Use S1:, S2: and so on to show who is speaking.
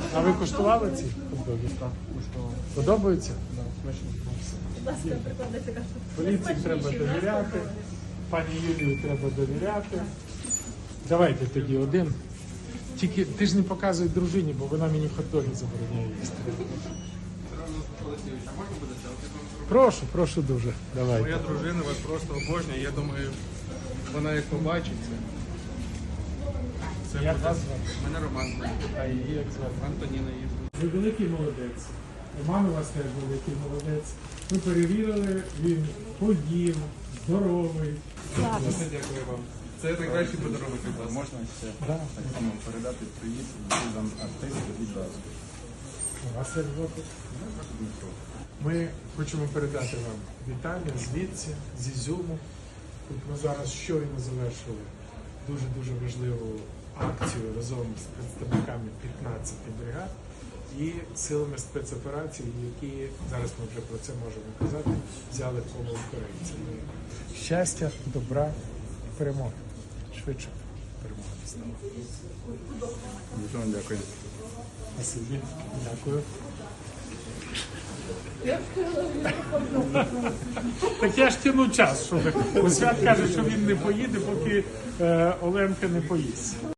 S1: А ви куштували ці хот-доги?
S2: Так, коштував.
S1: Подобаються?
S2: Да, смачно.
S3: Будь ласка, прикладайте кашу.
S1: Поліції треба довіряти, пані Юлію треба довіряти. Давайте тоді один. Тільки ти ж не показуй дружині, бо вона мені хот-доги забороняє їсти. Прошу, прошу дуже. Давайте.
S2: Моя дружина вас просто обожнює. Я думаю, вона як побачить це. Це
S1: Як
S2: буде-
S1: вас звати?
S2: Мене Роман.
S1: А її як звати?
S2: Антоніна її.
S1: Ви великий молодець. Роман у вас теж великий молодець. Ми перевірили, він поїв, здоровий.
S2: Дуже дякую вам. Це найкращий подарунок від вас.
S4: Можна ще
S1: Да.
S4: так само передати привіт друзям артистів відразу.
S1: У вас як звати? Ми хочемо передати вам вітання звідси, з Ізюму. Тут ми зараз щойно завершили дуже-дуже важливу акцію разом з представниками 15 бригад і силами спецоперацій, які, зараз ми вже про це можемо казати, взяли коло українців. Щастя, добра і перемоги. Швидше перемоги настала.
S4: Дуже вам дякую.
S1: Спасибі. Дякую. Так я ж тяну час, щоб Свят каже, що він не поїде, поки Оленка не поїсть.